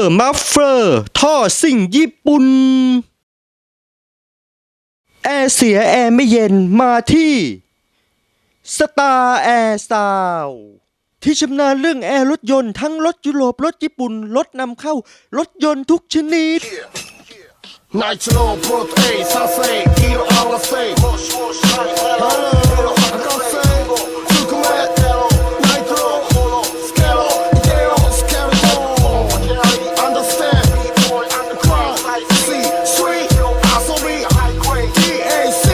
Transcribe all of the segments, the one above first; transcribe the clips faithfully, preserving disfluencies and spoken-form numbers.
ร์มัฟเฟอร์ท่อซิ่งญี่ปุ่นแอร์เสียแอร์ไม่เย็นมาที่สตาร์แอร์ซาวที่ชำนาญเรื่องแอร์รถยนต์ทั้งรถยุโรปรถญี่ปุ่นรถนำเข้ารถยนต์ทุกชนิด Nitro, Brooke, A, Sase, Kilo, Alase, Akase, Superman, Nitro, Scalo, Gale, Scalo, Understand, Crowd, C, Street, Asobi, D A C,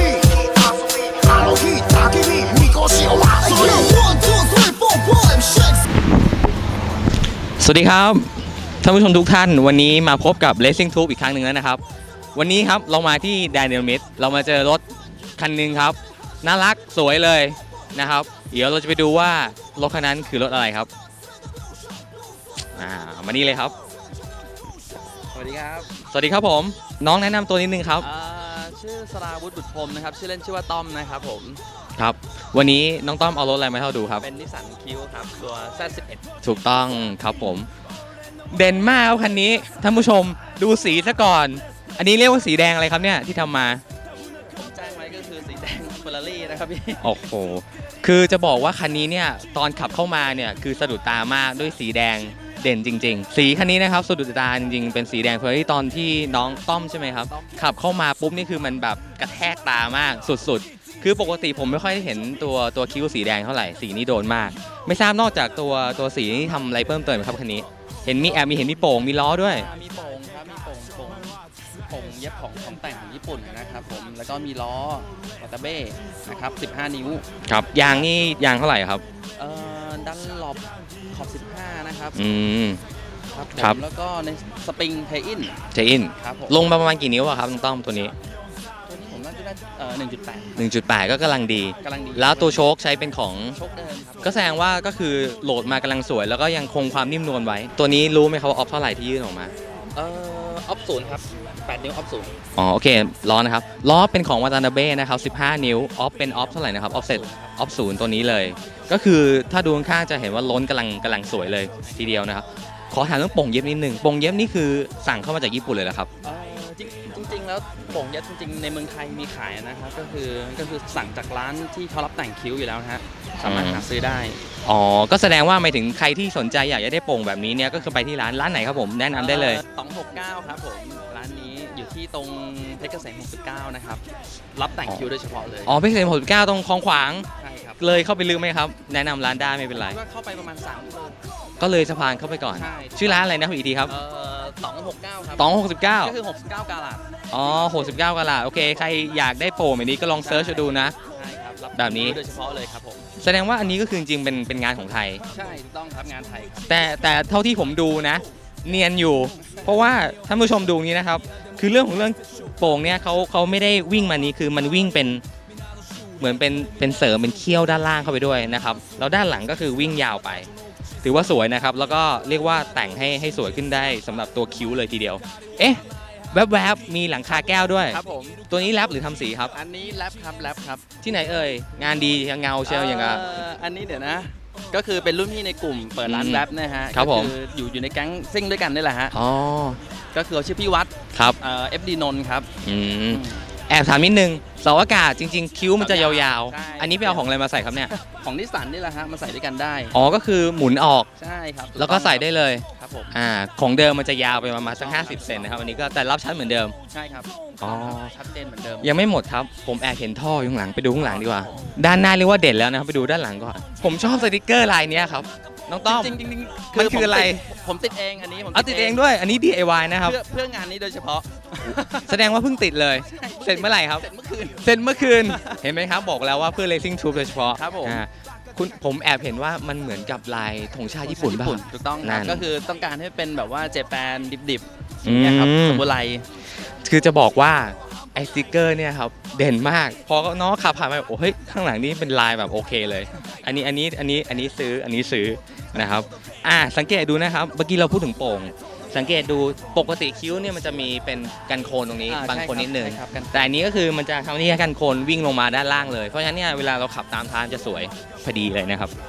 Alohi, Takimi, Mikoshi, Owashi, one, two, three, four, five, six สวัสดีครับท่านผู้ชมทุกท่านวันนี้มาพบกับ Racing Tube อีกครั้งหนึ่งแล้วนะครับวันนี้ครับเรามาที่แดเนียลมิดเรามาเจอรถคันหนึ่งครับน่ารักสวยเลยนะครับเดี๋ยวเราจะไปดูว่ารถคันนั้นคือรถอะไรครับอ่ามานี่เลยครับสวัสดีครับสวัสดีครับผมน้องแนะนำตัวนิดนึงครับชื่อสราวุฒิบุตรพรมนะครับชื่อเล่นชื่อว่าต้อมนะครับผมครับวันนี้น้องต้อมเอารถอะไรมาให้เราดูครับเป็นนิสสันคิวครับตัว แซด สิบเอ็ดถูกต้องครับผมเด่นมากครับคันนี้ท่านผู้ชมดูสีซะก่อนอันนี้เรียกว่าสีแดงอะไรครับเนี่ยที่ทำมาผมแจ้งไว้ก็คือสีแดงเฟอร์รารี่นะครับพี่โอ้โหคือจะบอกว่าคันนี้เนี่ยตอนขับเข้ามาเนี่ยคือสะดุดตามากด้วยสีแดงเด่นจริงๆสีคันนี้นะครับสะดุดตาจริงๆเป็นสีแดงเฟอร์รารี่ตอนที่น้องต้อมใช่ไหมครับขับเข้ามาปุ๊บนี่คือมันแบบกระแทกตามากสุดๆคือปกติผมไม่ค่อยได้เห็นตัวตัวคิ้วสีแดงเท่าไหร่สีนี้โดนมากไม่ทราบนอกจากตัวตัวสีนี้ทำอะไรเพิ่มเติมไหมครับคันนี้เห็นมีแอบมีเห็นมีโป่งมีล้อด้วยมีโป่งครับมีโป่งโป่งโป่งเย็บของของแต่งของญี่ปุ่นนะครับผมแล้วก็มีล้อวาตาเบ้นะครับสิบห้านิ้วครับยางนี่ยางเท่าไหร่ครับเอ่อดันหลบขอบสิบห้านะครับอืมครับผมแล้วก็ในสปริงเทอินเทอินครับผมลงมาประมาณกี่นิ้วอะครับน้องต้อมตัวนี้ตัวนี้ผมน่าจะได้เอ่อหนึ่งจุดแปดหนึ่งจุดแปดก็กำลังดีกำลังดีแล้วตัวโชคใช้เป็นของโชคเดิมครับก็แสดงว่าก็คือโหลดมากำลังสวยแล้วก็ยังคงความนิ่มนวลไว้ตัวนี้รู้ไหมครับว่าออฟเท่าไหร่ที่ยื่นออกมาเอ่อออฟศูนย์ครับแปดนิ้วออฟศูนย์อ๋อโอเคล้อนะครับล้อเป็นของวาตานาเบ้นะครับสิบห้านิ้วออฟเป็นออฟเท่าไหร่นะครับออฟเซ็ตออฟศูนย์ตัวนี้เลยก็คือถ้าดูข้างๆจะเห็นว่าล้นกำลังกำลังสวยเลยทีเดียวนะครับขอถามเรื่องโป่งเย็บนิดนึงโป่งเย็บนี่คือสั่งเข้ามาจากญี่ปุ่นเลยเหรอครับจริงๆแล้วโป่งเย็บจริงๆในเมืองไทยมีขายนะครับก็คือก็คือสั่งจากร้านที่เขารับแต่งคิ้วอยู่แล้วนะฮะสามารถหาซื้อได้อ๋อก็แสดงว่าหมายถึงใครที่สนใจอยากจะได้โป่งแบบนี้เนี่ยก็คือไปที่ร้านร้านไหนครับผมแนะนำได้เลยสองหกเก้าครับผมร้านนี้อยู่ที่ตรงเพชรเกษมหกสิบเก้านะครับรับแต่งคิ้วโดยเฉพาะเลยอ๋อเพชรเกษมหกสิบเก้าตรงคลองขวางใช่ครับเลยเข้าไปลึกไหมครับแนะนำร้านได้ไม่เป็นไรเข้าไปประมาณสามกิโลก็เลยสะพานเข้าไปก่อนชื่อร้านอะไรนะอีกทีครับสองหกเก้าครับสองหกสิบเก้าก็คือหกสิบเก้ากาลัดอ๋อหกสิบเก้ากาลัดโอเคใครอยากได้โป่งแบบนี้ก็ลองเซิร์ชดูนะใช่ครับแบบนี้โดยเฉพาะเลยครับผมแสดงว่าอันนี้ก็คือจริงๆเป็นเป็นงานของไทยใช่ถูกต้องครับงานไทยครับแต่แต่เท่าที่ผมดูนะเนียนอยู่เพราะว่าท่านผู้ชมดูนี้นะครับคือเรื่องของเรื่องโป่งเนี่ยเขาเขาไม่ได้วิ่งมานี้คือมันวิ่งเป็นเหมือนเป็นเป็นเสริมเป็นเขี้ยวด้านล่างเข้าไปด้วยนะครับแล้วด้านหลังก็คือวิ่งยาวไปถือว่าสวยนะครับแล้วก็เรียกว่าแต่งให้ให้สวยขึ้นได้สำหรับตัวคิ้วเลยทีเดียวเอ๊ะแวบๆมีหลังคาแก้วด้วยครับผมตัวนี้แรปหรือทำสีครับอันนี้แรปครับแรปครับที่ไหนเอ่ยงานดีเงาเชียวอย่างกับอันนี้เดี๋ยวนะก็คือเป็นรุ่นพี่ในกลุ่มเปิดร้านแรปนะฮะครับผมอยู่อยู่ในแก๊งซิ่งด้วยกันนี่แหละฮะอ๋อก็คือชื่อพี่วัดครับเอ่อ เอฟ ดี นนท์ครับอืมแอบถามนิดนึงเสาอากาศจริงๆคิ้วมันจะยาวๆอันนี้ไปเอาของอะไรมาใส่ครับเนี่ยของนิสสันนี่แหละฮะมาใส่ด้วยกันได้อ๋อก็คือหมุนออกใช่ครับแล้วก็ใส่ได้เลยครับผมอ่าของเดิมมันจะยาวไปประมาณสักห้าสิบเซนนะครับอันนี้ก็แต่รับชั้นเหมือนเดิมใช่ครับอ๋อชัดเจนเหมือนเดิมยังไม่หมดครับผมแอบเห็นท่ออยู่ข้างหลังไปดูข้างหลังดีกว่าด้านหน้าเรียกว่าเด่นแล้วนะครับไปดูด้านหลังก่อนผมชอบสติกเกอร์ลายนี้ครับน้องต้อมจริงๆมันคืออะไรผมติดเองอันนี้ผมเอาติดเองด้วยอันนี้ ดี ไอ วาย นะครับเพื่อเพื่องานนี้โดยเฉพาะแสดงว่าเพิ่งติดเลยเสร็จเมื่อไหร่ครับเสร็จเมื่อคืนเสร็จเมื่อคืนเห็นไหมครับบอกแล้วว่าเพื่อ Racing Tube โดยเฉพาะครับผมคุณผมแอบเห็นว่ามันเหมือนกับลายธงชาติญี่ปุ่นป่ะถูกต้องครับก็คือต้องการให้เป็นแบบว่าเจแปนดิบๆอย่างเงี้ยครับสมุไรคือจะบอกว่าไอสติ๊กเกอร์เนี่ยครับเด่นมากพอน้องขับผ่านไปโอ้เฮ้ยข้างหลังนี้เป็นลายแบบโอเคเลยอันนี้อันนี้อันนี้อันนี้ซื้ออันนี้ซื้อนะครับอ่าสังเกตดูนะครับเมื่อกี้เราพูดถึงโป่งสังเกตดูปกติคิ้วเนี่ยมันจะมีเป็นกันโคนตรงนี้บางคนนิดนึงแต่อันนี้ก็คือมันจะทำนี่กันโคนวิ่งลงมาด้านล่างเลยเพราะฉะนั้นเนี่ยเวลาเราขับตามทางจะสวยพอดีเลยนะครับ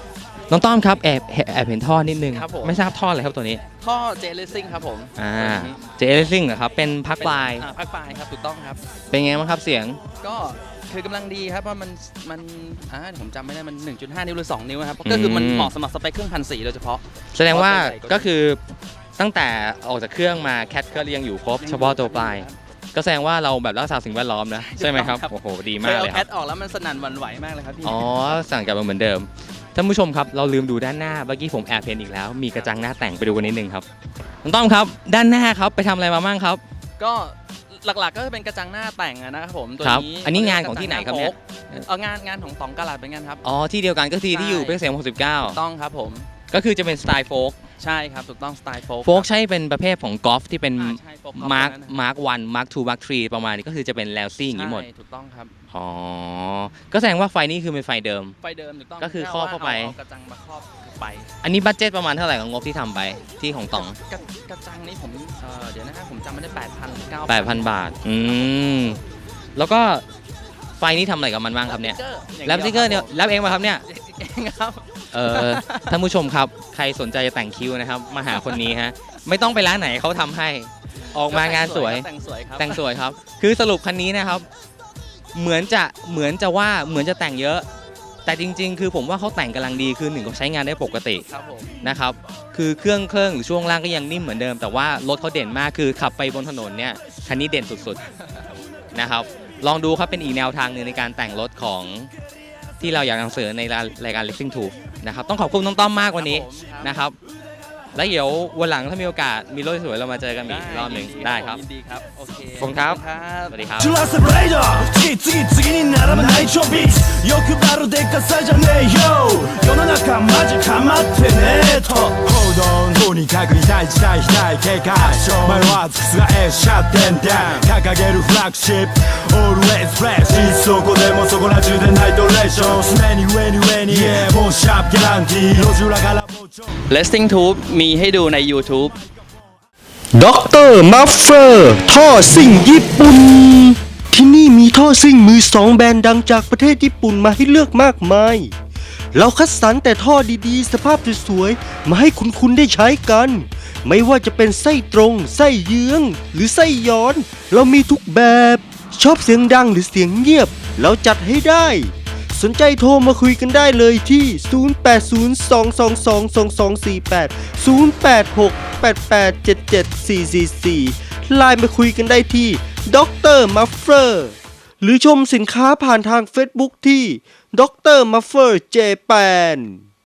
น้องต้อมครับแอบแอบเห็นท่อนิดนึงครับผมไม่ทราบท่ออะไรครับตัวนี้ท่อเจเลซิ่งครับผมอ่าตัวนี้เจเอซิ่งเหรอครับเป็นพักปลายอ่าพักปลายครับถูกต้องครับเป็นไงบ้างครับเสียงก็คือกำลังดีครับว่ามันมันอ่าผมจำไม่ได้มัน หนึ่งจุดห้า นิ้วหรือ สอง นิ้วครับก็คือมันอืมเหมาะสำหรับสเปคเครื่องพันสี่โดยเฉพาะแสดงว่าเพราะส่วนใหญ่ก็ก็คือตั้งแต่ออกจากเครื่องมาแคทก็ยังอยู่ครบเฉพาะตัวปลาย ก็แสดงว่าเราแบบรักษาสิ่งแวดล้อมนะใช่ไหมครับครับโอ้โหดีเคมากยเอาเลยแคครับทออกแล้วมันสนั่นหวั่นไหวมากเลยครับพี่อ๋อสั่งกลับมาเหมือนเดิมท่านผู้ชมครับเราลืมดูด้านหน้าเมื่อกี้ผมแอบเห็นอีกแล้ว มีกระจังหน้าแต่งไปดูกันนิดนึงครับน้องต้อมครับด้านหน้าครับไปทำอะไรมาบ้างครับก็หลักๆก็จะเป็นกระจังหน้าแต่งอะนะครับผมตัวครับนี้อันนี้งานของที่ไหนครับเนี่ยเอองานงานของตองกะลาดเป็นงานครับอ๋อที่เดียวกันก็คือที่อยู่ใช่เพชรเกษมหกสิบเก้าต้องครับผมก็คือจะเป็นสไตล์โฟล์กใช่ครับถูกต้องสไตล์โฟล์โฟล์กใช่เป็นประเภทของกอล์ฟที่เป็นอ่าใช่โฟล์กมาร์คนั้นนะมาร์ควันมาร์คทูมาร์คทรีประมาณนี้ก็คือจะเป็นแลวซี่อย่างนี้หมดใช่ถูกต้องครับอ๋อก็แสดงว่าไฟนี้คือเป็นไฟเดิมไฟเดิมถูกต้องก็คือแครอบเข้าไปเอากระจังมาครอบไปอันนี้บัตเจ็ตประมาณเท่าไหร่ของงบที่ทำไปที่ของต๋องกระกระจังนี้ผมเอ่อเดี๋ยวนะครับผมจำไม่ได้แปดพันหรือเก้าแปดพันบาท อืม แล้วก็ไฟนี้ทำอะไรกับมันบ้างครับเนี่ยแรปสติกเกอร์เนี่ยแรปเองมาครับเนี่ยเองครับเออ ท่านผู้ชมครับ ใครสนใจจะแต่งคิ้วนะครับ มาหาคนนี้ฮะ ไม่ต้องไปร้านไหนเขาทำให้ ออกมางานสวยแต่งสวยครับแต่งสวยครับ คือสรุปคันนี้นะครับ เหมือนจะ เหมือนจะว่า เหมือนจะแต่งเยอะ แต่จริง ๆ คือผมว่าเขาแต่งกำลังดี คือหนึ่งเขาใช้งานได้ปกติครับผมนะครับ คือเครื่องเครื่องหรือช่วงล่างก็ยังนิ่มเหมือนเดิม แต่ว่ารถเขาเด่นมาก คือขับไปบนถนนเนี่ย คันนี้เด่นสุดๆ นะครับ ลองดูครับเป็นอีกแนวทางหนึ่งในการแต่งรถของที่เราอยากนำเสนอในรายการ Racing Tube นะครับ ต้องขอบคุณน้องต้อมมากวันนี้ครับผมนะครับ แล้วเดี๋ยววันหลังถ้ามีโอกาสมีรถสวยๆเรามาเจอกันอีกรอบหนึ่งได้ครับยินดีครับโอเคขอบคุณครับครับสวัสดีครับジュラスブレイド次々次に並ぶ内調ビーツ欲張るでかさじゃねえよ世の中マジかまってねえと報道とにかく痛い事態非対警戒迷わず覆すシャッテンダウン掲げるフラッグシップ Always fresh いつそこでもそこら中でナイトレーション常に上に上に Yeah もうシャープギャランティー路地裏からもうちょ Racing Tube มีให้ดูใน YouTube ด็อกเตอร์มัฟเฟอร์ท่อซิ่งญี่ปุ่น ที่นี่มีท่อซิ่งมือสองแบรนด์ดังจากประเทศญี่ปุ่นมาให้เลือกมากมาย เราคัดสรรแต่ท่อดีๆ สภาพสวยๆ มาให้คุณๆได้ใช้กัน ไม่ว่าจะเป็นไส้ตรง ไส้เยื้อง หรือไส้ย้อน เรามีทุกแบบ ชอบเสียงดังหรือเสียงเงียบ เราจัดให้ได้ สนใจโทรมาคุยกันได้เลยที่ ศูนย์ แปด ศูนย์ สอง สอง สอง สอง สอง สี่ แปด ศูนย์ แปด หก แปด แปด เจ็ด เจ็ด สี่ สี่ สี่ ไลน์มาคุยกันได้ที่ด็อกเตอร์มัฟเฟอร์หรือชมสินค้าผ่านทาง Facebook ที่ด็อกเตอร์มัฟเฟอร์เจแปน